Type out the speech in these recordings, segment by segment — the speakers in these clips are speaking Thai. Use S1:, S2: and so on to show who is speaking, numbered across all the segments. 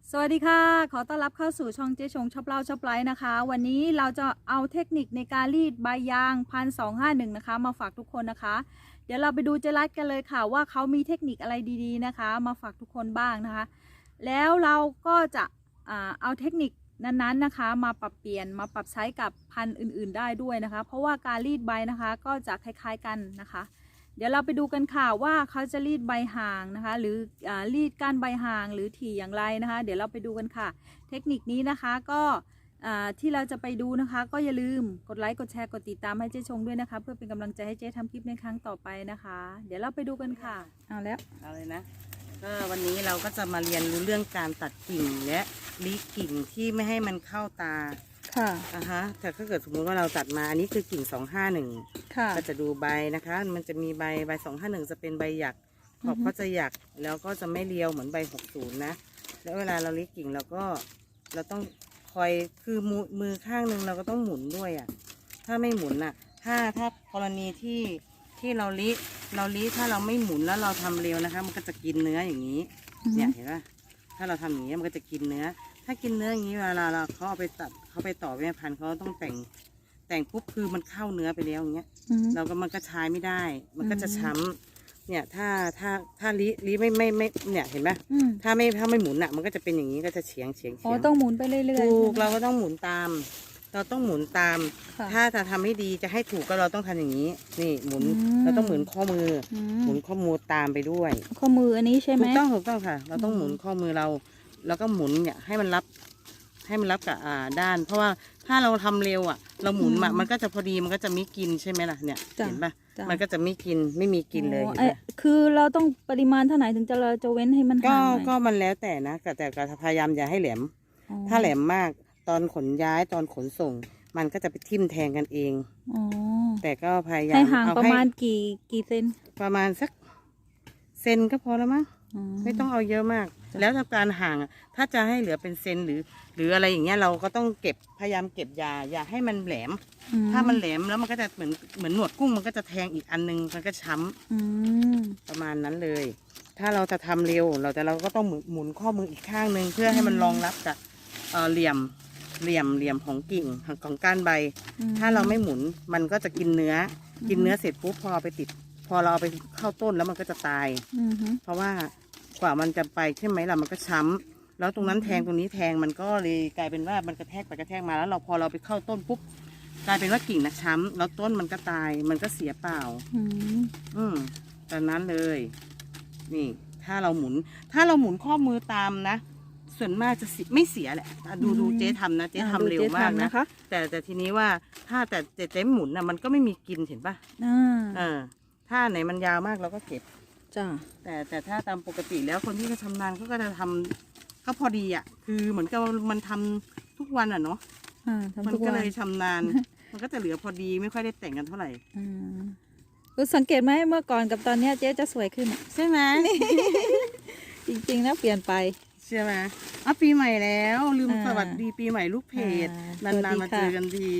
S1: สวัสดีค่ะขอต้อนรับเข้าสู่ช่องเจ๊ชงชอบเล่าชอบไลฟ์นะคะวันนี้เราจะเอาเทคนิคในการรีดใบยาง1251นะคะมาฝากทุกคนนะคะเดี๋ยวเราไปดูเจรัสกันเลยค่ะว่าเขามีเทคนิคอะไรดีๆนะคะมาฝากทุกคนบ้างนะคะแล้วเราก็จะเอาเทคนิคนั้นๆนะคะมาปรับเปลี่ยนมาปรับใช้กับพันธุ์อื่นๆได้ด้วยนะคะเพราะว่าการรีดใบนะคะก็จะคล้ายๆกันนะคะเดี๋ยวเราไปดูกันค่ะว่าเขาจะรีดใบห่างนะคะหรือรีดก้านใบห่างหรือถี่อย่างไรนะคะเดี๋ยวเราไปดูกันค่ะเทคนิคนี้นะคะก็ที่เราจะไปดูนะคะก็อย่าลืมกดไลค์กดแชร์กดติดตามให้เจ๊ชงด้วยนะคะเพื่อเป็นกำลังใจให้เจ๊ทำคลิปในครั้งต่อไปนะคะเดี๋ยวเราไปดูกันค่ะเอา
S2: เลยนะก็วันนี้เราก็จะมาเรียนรู้เรื่องการตัดกิ่งและลิกิ่งที่ไม่ให้มันเข้าตา
S1: ค่ะ
S2: แต่ถ้าเกิดสมมติว่าเราตัดมาอันนี้คือกิ่ง251
S1: ค่ะ
S2: ก็จะดูใบนะคะมันจะมีใบ251จะเป็นใบหยักขอบก็จะหยักแล้วก็จะไม่เรียวเหมือนใบ60นะแล้วเวลาเราลิกิ่งเราต้องคอยคือมือข้างหนึ่งเราก็ต้องหมุนด้วยถ้าไม่หมุนถ้ากรณีที่เราลิถ้าเราไม่หมุนแล้วเราทำเร็วนะคะมันก็จะกินเนื้ออย่างนี้เนี่ยเห็นไหมถ้าเราทำอย่างนี้มันก็จะกินเนื้อถ้ากินเนื้ออย่างนี้เวลาเราเขาเอาไปตัดเขาไปต่อแม่พันธุ์เขาต้องแต่งปุ๊บคือมันเข้าเนื้อไปแล้วอย่างเงี้ยมันก็ใช้ไม่ได้มันก็จะช้ำเนี่ยถ้าลิไม่เนี่ยเห็นไหมถ้าไม่หมุนมันก็จะเป็นอย่างนี้ก็จะเฉียง
S1: อ๋อต้องหมุนไปเรื่อยๆ
S2: ถูกเราก็ต้องหมุนตามเราต้องหมุนตามถ้าจะทำให้ดีจะให้ถูกก็เราต้องทำอย่างนี้นี่หมุนเราต้องหมุนข้อมือหมุนข้อมือตามไปด้วย
S1: ข้อมืออันนี้ใช่ไหม
S2: ถูกต้องค่ะเราต้องหมุนข้อมือเราแล้วก็หมุนเนี่ยให้มันรับกับด้านเพราะว่าถ้าเราทำเร็วเราหมุนมันก็จะพอดีมันก็จะไม่กินใช่ไหมล่ะเนี่ยเห็นปะมันก็จะไม่กินไม่มีกินเลย
S1: คือเราต้องปริมาณเท่าไหร่ถึงเราจะเว้นให้มันห่าง
S2: ก็มันแล้วแต่นะแต่พยายามอย่าให้แหลมถ้าแหลมมากตอนขนย้ายตอนขนส่งมันก็จะไปทิ่มแทงกันเองแต่ก็พยายาม
S1: ให้ห่างประมาณกี่เซน
S2: ประมาณสักเซนก็พอแล้วมั้งไม่ต้องเอาเยอะมากแล้วถ้าการห่างถ้าจะให้เหลือเป็นเซนหรืออะไรอย่างเงี้ยเราก็ต้องพยายามเก็บอย่าให้มันแหลมถ้ามันแหลมแล้วมันก็จะเหมือนหนวดกุ้งมันก็จะแทงอีกอันนึงมันก็ช้ำประมาณนั้นเลยถ้าเราจะทำเร็วเราก็ต้องหมุนข้อมืออีกข้างนึงเพื่อให้มันรองรับกับเหลี่ยมของกิ่งของก้านใบถ้าเราไม่หมุนมันก็จะกินเนื้อเสร็จปุ๊บพอเราเอาไปเข้าต้นแล้วมันก็จะตายเพราะว่ากว่ามันจะไปใช่ไหมล่ะมันก็ช้ำแล้วตรงนั้นแทงตรงนี้แทงมันก็เลยกลายเป็นว่ามันกระแทกไปกระแทกมาแล้วพอเราไปเข้าต้นปุ๊บกลายเป็นว่ากิ่งช้ำแล้วต้นมันก็ตายมันก็เสียเปล่าตอนนั้นเลยนี่ถ้าเราหมุนข้อมือตามนะส่วนมากจะไม่เสียแหละดูเจ๊ทำนะเจ๊ทำเร็วมากนะแต่ทีนี้ว่าถ้าแต่เจ๊หมุนมันก็ไม่มีกินเห็นป่ะถ้าไหนมันยาวมากเราก็เก็บ
S1: จ้า
S2: แต่ถ้าตามปกติแล้วคนที่เขาชำนาญเขาก็จะทำก็พอดีคือเหมือนกับมันทำทุกวันเนาะมันก็เลยชำนาญ มันก็จะเหลือพอดีไม่ค่อยได้แต่งกันเท่าไหร่
S1: คุณสังเกตไหมเมื่อก่อนกับตอนนี้เจ๊จะสวยขึ้น
S2: ใช่ไหม
S1: จริงๆนะเปลี่ยนไป
S2: ใช่ไหมปีใหม่แล้วลืมสวัสดีปีใหม่ลูกเพจนานๆมาเจอกันที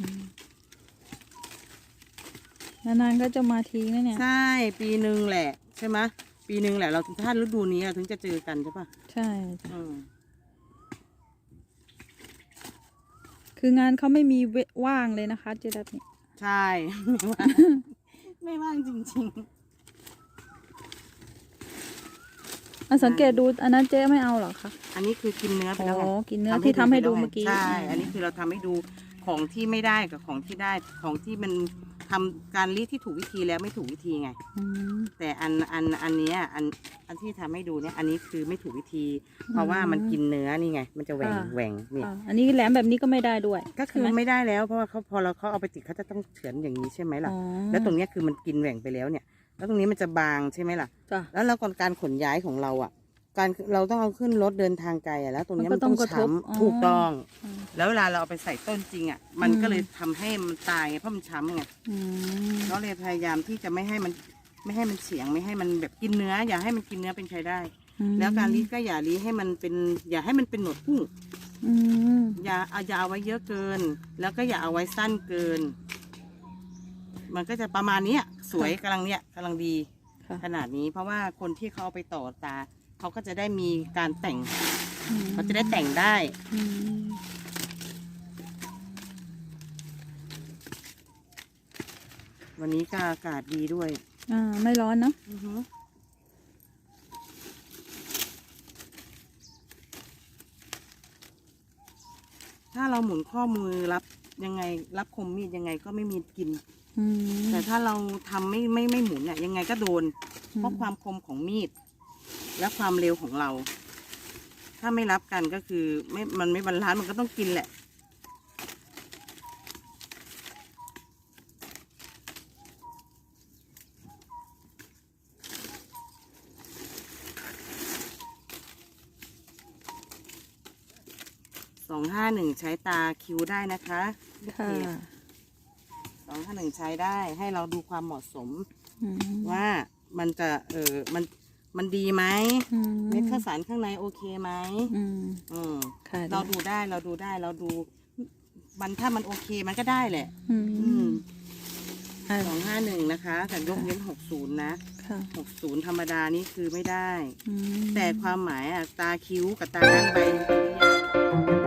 S1: นานๆก็จะมาทีนะเนี่ย
S2: ใช่ปีหนึ่งแหละใช่ไหมปีหนึ่งแหละเราถ้าฤดูนี้ถึงจะเจอกันใช่ปะ
S1: ใช่คืองานเขาไม่มีว่างเลยนะคะเจดับนี่
S2: ใช่ไม่ว่างจริง
S1: ๆสังเกตดูอันนั้นเจ๊ไม่เอาหรอคะ
S2: อันนี้คือกินเนื้อไปแล้ว
S1: กินเนื้อที่ทำให้ดูเมื่อกี้
S2: ใช่อันนี้คือเราทำให้ดูของที่ไม่ได้กับของที่ได้ของที่มันทำการรีดที่ถูกวิธีแล้วไม่ถูกวิธีไงแต่อันนี้อันที่ทำให้ดูเนี่ยอันนี้คือไม่ถูกวิธีเพราะว่ามันกินเนื้อนี่ไงมันจะแหว่งนี่
S1: อันนี้แหลมแบบนี้ก็ไม่ได้ด้วย
S2: ก็คือไม่ได้แล้วเพราะว่าพอเขาเอาไปติดเขาจะต้องเฉือนอย่างนี้ใช่ไหมล่ะแล้วตรงนี้คือมันกินแหว่งไปแล้วเนี่ยแล้วตรงนี้มันจะบางใช่ไหมล่ะแล้วเราก่อนการขนย้ายของเราเราต้องเอาขึ้นรถเดินทางไกลแล้วตรงนี้มันต้องช้ำถูกต้องแล้วเวลาเราเอาไปใส่ต้นจริงมันก็เลยทำให้มันตายไงเพราะมันช้ำไงเราเลยพยายามที่จะไม่ให้มันเฉียงไม่ให้มันแบบกินเนื้ออย่าให้มันกินเนื้อเป็นใช้ได้แล้วการรีดก็อย่ารีดให้มันเป็นอย่าให้มันเป็นหนวดกุ้งอย่าเอาไว้เยอะเกินแล้วก็อย่าเอาไว้สั้นเกินมันก็จะประมาณนี้สวยกำลังดีขนาดนี้เพราะว่าคนที่เขาเอาไปต่อตาเขาก็จะได้มีการแต่งเขาจะได้แต่งได้
S1: อืม
S2: วันนี้ก็อากาศดีด้วย
S1: ไม่ร้อนเนาะ
S2: ถ้าเราหมุนข้อมือรับยังไงรับคมมีดยังไงก็ไม่มีกิน
S1: อืม
S2: แต่ถ้าเราทำไม่หมุนเนี่ยยังไงก็โดน เพราะความคมของมีด และความเร็วของเรา ถ้าไม่รับกันก็คือมันไม่บรรลันซ์มันก็ต้องกินแหละ 251 ใช้ตาคิวได้นะคะลูก
S1: ค่ะ
S2: เพจ251 ใช้ได้ให้เราดูความเหมาะสม
S1: อืม
S2: ว่ามันจะมันดีไหม
S1: อืม
S2: เม็ดข้าวสารข้างในโอเคไหม
S1: อืม
S2: อืม
S1: ค่ะ
S2: เราดูได้มันถ้ามันโอเคมันก็ได้แหละ
S1: อืมอ่า
S2: 251 นะคะ แต่ยกเว้น60 นะ
S1: ค่ะ
S2: 60 ธรรมดานี่คือไม่ได้
S1: อืม
S2: แต่ความหมายอ่ะตาคิ้วกับตาด้านใบมันเป็นอย่าง